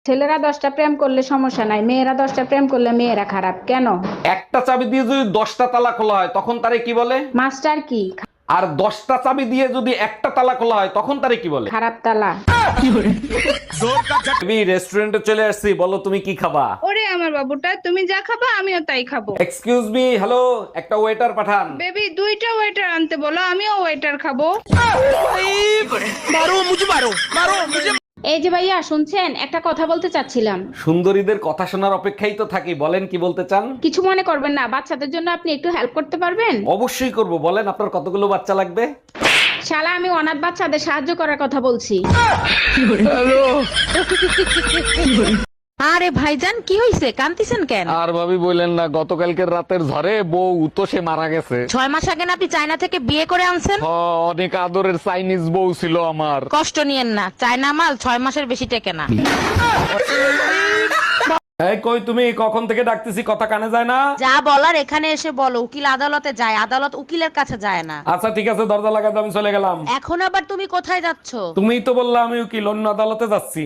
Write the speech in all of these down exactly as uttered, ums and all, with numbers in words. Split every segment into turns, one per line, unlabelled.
ছেলেরা দশটা প্রেম করলে সমস্যা নাই, মেয়েরা দশটা প্রেম করলে মেয়েরা খারাপ কেন?
একটা চাবি দিয়ে যদি দশটা তালা খোলা হয় তখন তারে কি বলে?
মাস্টার কি?
আর দশটা চাবি দিয়ে যদি একটা তালা খোলা হয় তখন তারে কি বলে?
খারাপ তালা।
রেস্টুরেন্টে চলে আসছি, বলো তুমি কি খাবা?
ওরে আমার বাবুটা, তুমি যা খাবা আমিও তাই খাবো।
এক্সকিউজ মি, হ্যালো, একটা ওয়েটার পাঠান।
বেবি দুইটা ওয়েটার আনতে বলো, আমিও ওয়েটার খাবো।
এই যে ভাইয়া শুনছেন, একটা কথা বলতে চাচ্ছিলাম।
সুন্দরীদের কথা শোনার অপেক্ষাই তো থাকি, বলেন কি বলতে চান?
কিছু মনে করবেন না, বাচ্চাদের জন্য আপনি একটু হেল্প করতে পারবেন?
অবশ্যই করব, বলেন আপনার কতগুলো বাচ্চা লাগবে?
শালা, আমি অনাথ বাচ্চাদের সাহায্য করার কথা বলছি।
আরে ভাইজান, কি হইছে? কান্তিছেন কেন?
আর ভাবি বললেন না, গতকালকের রাতের ঝড়ে বউ তো সে মারা গেছে।
ছয় মাস আগে না আপনি চায়না থেকে বিয়ে করে আনছেন?
হ, অনেক আদরের চাইনিজ বউ ছিল আমার।
কষ্ট নিয়েন না, চায়না মাল ছয় মাসের বেশি টেকে না।
এই কই তুমি, কখন থেকে ডাকতেছি, কথা কানে যায় না?
যা বলার এখানে এসে বলো। উকিল আদালতে যায়, আদালত উকিলের কাছে যায় না।
আচ্ছা ঠিক আছে, দরজা লাগাতে আমি চলে গেলাম।
এখন আবার তুমি কোথায় যাচ্ছ?
তুমিই তো বললা আমি উকিল, অন্য আদালতে যাচ্ছি।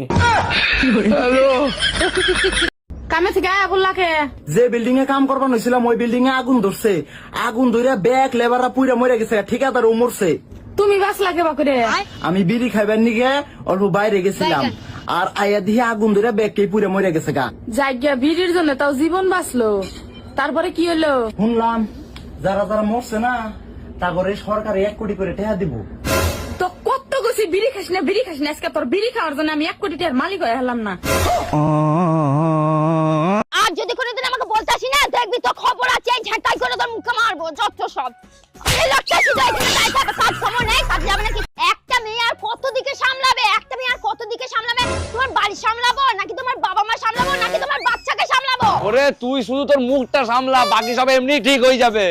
কামে থেকে আয়া বললাকে
যে বিল্ডিং এ কাম করবার হয়েছিলাম ওই বিল্ডিং এ আগুন ধরছে। আগুন ধরে ব্যাগ লেবাররা পুইরা মরে গেছে, ঠিকাদার ও মরছে।
তুমি বাস লাগে বাকুরে।
আমি বিড়ি খাইবার নিগে অল্প বাইরে গেছিলাম, আর আয়া দিয়ে আগুন ধরে ব্যাগ কে পুইরা মরে গেছে গা।
জায়গা ভিড়ের জন্য তাও জীবন বাঁচলো, তারপরে কি হলো?
শুনলাম যারা যারা মরছে না তা করে সরকারে এক কোটি করে টাকা দিব।
তো কত গেছি বিড়ি খাস না, বিড়ি খাস না, আজকে তোর বিড়ি খাওয়ার জন্য আমি এক কোটি টাকার মালিক হয়ে হলাম না।
আর যদি কোনোদিন আমাকে বলতে আসি না, দেখবি তো খবর আছে, ঝাঁটাই করে তোর মুখে মারবো যত সব। এই লোকটা শুধু এখানে দাঁড়িয়ে থাকে, কাজ সময় নেই, কাজ যাবে নাকি? একটা মেয়ে আর কত দিকে সামলাবে? একটা মেয়ে আর কত দিকে সামলাবে? তোমার বাড়ি সামলাবো নাকি তোমার বাবা মা সামলাবো নাকি তোমার বাচ্চাকে সামলাবো?
ওরে তুই শুধু তোর মুখটা সামলা, বাকি সব এমনি ঠিক হয়ে যাবে।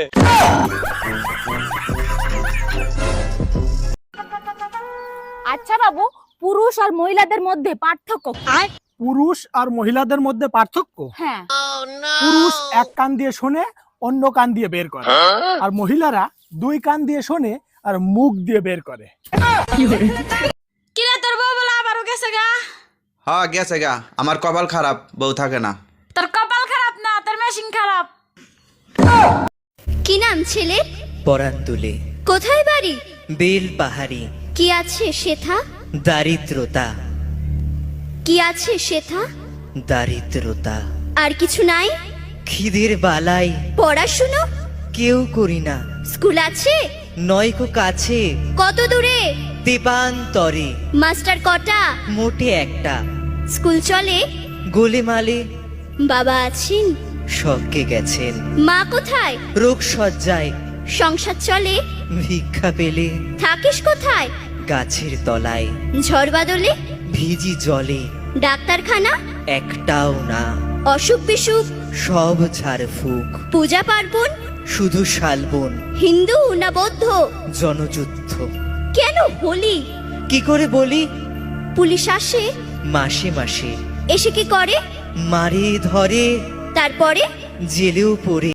আচ্ছা বাবু, পুরুষ আর মহিলাদের মধ্যে পার্থক্য কি?
পুরুষ আর মহিলাদের মধ্যে পার্থক্য?
হ্যাঁ।
পুরুষ এক কান দিয়ে শোনে, অন্য কান দিয়ে বের করে, আর মহিলারা দুই কান দিয়ে শোনে আর মুখ দিয়ে বের করে।
কিরে তোর বউ বলা আবারও গেছে গা?
হ্যাঁ গেছে গা, আমার কপাল খারাপ, বউ থাকে না।
তোর কপাল খারাপ না, তোর মেশিন খারাপ।
কি নাম ছেলে?
পরান তুলে
কোথায় বাড়ি?
বেল পাহাড়ি।
কি আছে সেথা?
দারিদ্রতা,
কি আছে সেথা?
দারিদ্রতা।
আর কিছু নাই?
খিদের বালাই
পড়াশুনো?
কেউ করি না।
স্কুল আছে?
নয়কো কাছে,
কত দূরে?
দেবান্তরে।
মাস্টার কটা?
মোটে একটা।
স্কুল চলে?
গোলেমালে।
বাবা আছেন?
স্বর্গে গেছেন।
মা কোথায়?
রোগ সজ্জায়।
সংসার চলে?
ভিক্ষা পেলে।
থাকিস কোথায়?
গাছের তলায়।
ঝড় বাদলে?
ভিজি জলে।
ডাক্তারখানা?
একটাও না।
অসুখ বিসুখ?
সব ঝাড় ফুক।
পূজা পার্বণ?
শুধু শালবন।
হিন্দু না বৌদ্ধ?
জনযুদ্ধ।
কেন হোলি?
কি করে বলি?
পুলিশ আসে?
মাসে মাসে।
এসে কি করে?
মারে ধরে,
তারপরে?
জেলেও পড়ে।